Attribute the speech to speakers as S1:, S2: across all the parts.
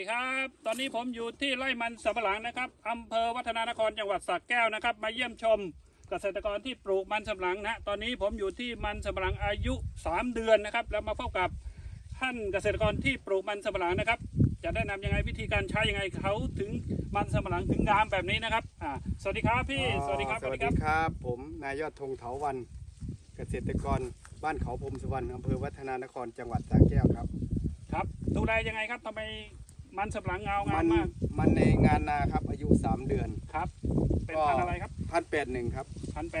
S1: ครับตอนนี้ผมอยู่ที่ไร่มันสำปะหลังนะครับอำเภอวัฒนานครจังหวัดสระแก้วนะครับมาเยี่ยมชมเกษตรกรที่ปลูกมันสำปะหลังนะตอนนี้ผมอยู่ที่มันสำปะหลังอายุ3 เดือนนะครับแล้วมาพบกับท่านเกษตรกรที่ปลูกมันสำปะหลังนะครับจะแนะนำยังไงวิธีการใช้ยังไงเขาถึงมันสำปะหลังถึงงามแบบนี้นะครับสวัสดีครับพี่สวัสดีครับ
S2: สวัสดีครับผมนายยอดธงเถาวันเกษตรกรบ้านเขาพรมสุวรรณอำเภอวัฒนานครจังหวัดสระแก้วครับ
S1: ครับดูแลยังไงครับทำไมมันสำปะหลังเงางามมาก
S2: มันในงานนาครับอายุ3 เดือน
S1: ครับเป็นพันธุ์อะไรครับ
S2: 1,081ครับ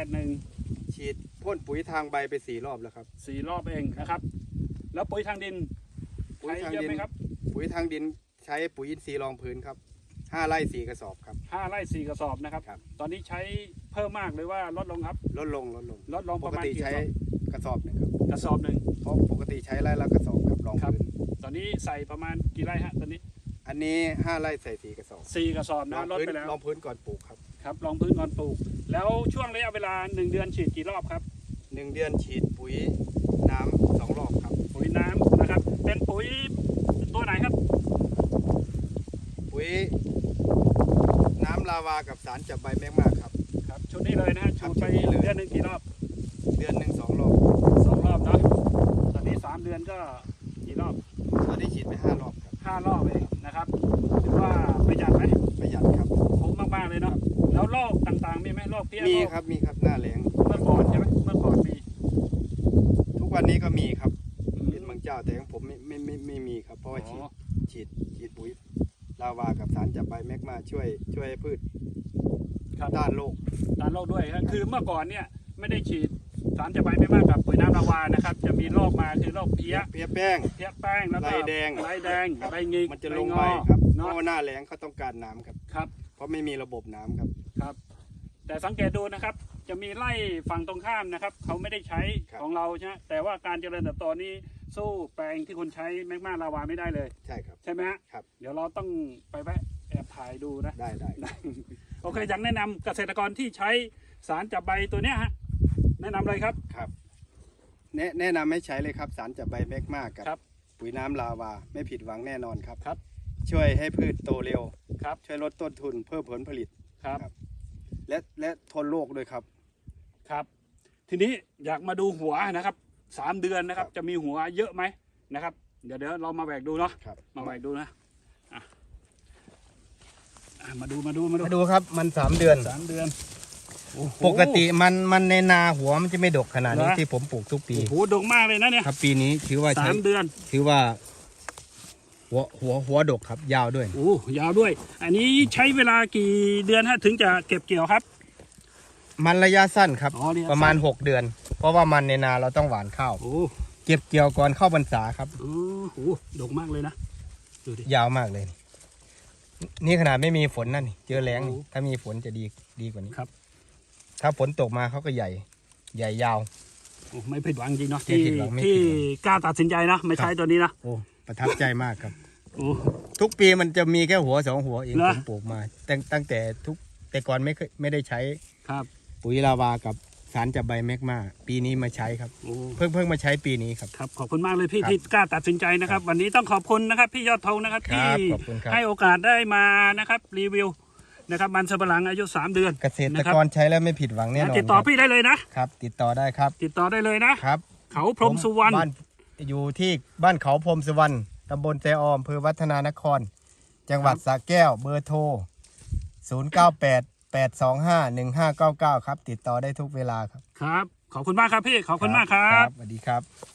S1: 1,081
S2: ฉีดพ่นปุ๋ยทางใบไป4 รอบแล้วครับ
S1: 4 รอบเองนะครับแล้วปุ๋ยทางดินใช้เยอะไหมครับ
S2: ปุ๋ยทางดินใช้ปุ๋ยอินทรีย์รองพื้นครับ5 ไร่ 4 กระสอบครับ
S1: 5 ไร่ 4 กระสอบนะครับตอนนี้ใช้เพิ่มมากหรือว่าลดลงครับ
S2: ลดลง
S1: ประมาณกี่
S2: ใช้กระสอบหนึ่งครับ
S1: กระสอบหนึ่ง
S2: เพราะปกติใช้ไร่ละกระสอบครับรองพื้น
S1: ตอนนี้ใส่ประมาณกี่ไร่ฮะตอนนี้
S2: อันนี้5 ไร่ใส่4 กระสอบ
S1: 4 กระสอบนะลดไปแล้ว
S2: รองพื้นก่อนปลูกครับ
S1: ครับรองพื้นก่อนปลูกแล้วช่วงระยะเวลา1 เดือนฉีดกี่รอบครับ
S2: 1 เดือนฉีดปุ๋ยน้ำ2 รอบครับ
S1: ปุ๋ยน้ำนะครับเป็นปุ๋ยตัวไหนครับ
S2: ปุ๋ยน้ำลาวากับสารจับใบแมกมาครับ
S1: ครับชุดนี้เลยนะชุดไปเดือนหนึ่งกี่รอบ
S2: เดือนหนึ่ง2 รอบ
S1: 2 รอบเนาะตอนนี้3 เดือนก็กี่รอบ
S2: ตอนนี้ฉีดไป5 รอบครับ
S1: 5 รอบเองนะครับถือว่าประหยัดไหม
S2: ประหยัดครับ
S1: คุ้มมากๆเลยเนาะแล้วโรคต่างๆมีไหมโรคเพี้ย
S2: มีครับหน้าแล้ง
S1: เมื่อก่อนใช่ไหมเมื่อก่อนมี
S2: ทุกวันนี้ก็มีครับเป็นบางเจ้าแต่ของผมไม่มีครับเพราะว่าฉีดปุ๋ยลาวากับสารจับใบแมกมาช่วยให้พืชต้านโรค
S1: ด้วยนะคือเมื่อก่อนเนี่ยไม่ได้ฉีดสารจับใบแมกมากับปุ๋ยน้ำลาวานะครับจะมีโรคมาคือโรคเพี้ย
S2: แป้ง
S1: แล้วก็
S2: ใบแดง
S1: ใบงิก
S2: มันจะลงใบครับเพราะหน้าแล้งเขาต้องการน้ำครับเพราะไม่มีระบบน้ำ
S1: ครับแต่สังเกตดูนะครับจะมีไร่ฝั่งตรงข้ามนะครับเขาไม่ได้ใช้ของเราใช่ไหมแต่ว่าการเจริญเติบโตนี้สู้แปลงที่คุณใช้แมกมาลาวาไม่ได้เลย
S2: ใช่ครับ
S1: ใช่ไหม
S2: ครับ
S1: เดี๋ยวเราต้องไปแวะแอบถ่ายดูนะ
S2: ได้
S1: โอเคอยากแนะนำเกษตรกรที่ใช้สารจับใบตัวเนี้ยฮะแนะนำเลยครับ
S2: แนะนำให้ใช้เลยครับสารจับใบแมกมากับปุ๋ยน้ำลาวาไม่ผิดหวังแน่นอนครับช่วยให้พืชโตเร็วช่วยลดต้นทุนเพิ่มผลผลิต
S1: ครับ
S2: และทนโรคด้วยครับ
S1: ทีนี้อยากมาดูหัวนะครับ3 เดือนนะครับจะมีหัวเยอะไหมนะครับเดี๋ยวเรามาแหวกดูเนาะมาแหวกดูนะมาดู
S2: ครับมัน3 เดือนปกติมันในนาหัวมันจะไม่ดกขนาดนี้ที่ผมปลูกทุกปี
S1: โอ้โหดกมากเลยนะเนี่ย
S2: ครับปีนี้ถือว่า
S1: 3 เดือน
S2: ถือว่าหัวดกครับยาวด้วย
S1: โอ้ยาวด้วยอันนี้ใช้เวลากี่เดือนถึงจะเก็บเกี่ยวครับ
S2: มันระยะสั้นครับประมาณ6 เดือนเพราะว่ามันในนาเราต้องหว่านข้าวเก็บเกี่ยวก่อนเข้าพรรษาครับ
S1: โอ้โหดกมากเลยนะ
S2: ดูดิยาวมากเลยนี่ขนาดไม่มีฝนนั่นเจอแล้งถ้ามีฝนจะดีกว่านี้
S1: ครับ
S2: ถ้าฝนตกมาเขาก็ใหญ่ยาว
S1: โอ้ไม่ผิดหวังจริงเนาะที่กล้าตัดสินใจนะไม่ใช้ตัวนี้นะ
S2: โอ้ประทับใจมากครับทุกปีมันจะมีแค่หัว2 หัวเองผมปลูกมาตั้งแต่ก่อนไม่ได้ใช้ปุ๋ยลาวากับสารจับใบแมกมาปีนี้มาใช้ครับเพิ่งมาใช้ปีนี้ครับ
S1: ขอบคุณมากเลยพี่ที่กล้าตัดสินใจนะครับวันนี้ต้องขอบคุณนะครับพี่ยอดธงนะครับที่ให้โอกาสได้มานะครับรีวิวนะครับมันสำปะหลังอายุ3 เดือน
S2: เกษตรกรใช้แล้วไม่ผิดหวังแน่นอน
S1: ติดต่อพี่ได้เลยนะครับ
S2: ติดต่อได้ครับ
S1: ติดต่อได้เลยนะครับเขาพรมสุวรรณ
S2: อยู่ที่บ้านเขาพรมสุวรรณตำบลแจออมอำเภอวัฒนานครจังหวัดสระแก้วเบอร์โทร0988251599ครับติดต่อได้ทุกเวลาครับ
S1: ขอบคุณมากครับพี่ขอบคุณมากครับ
S2: สวัสดีครับ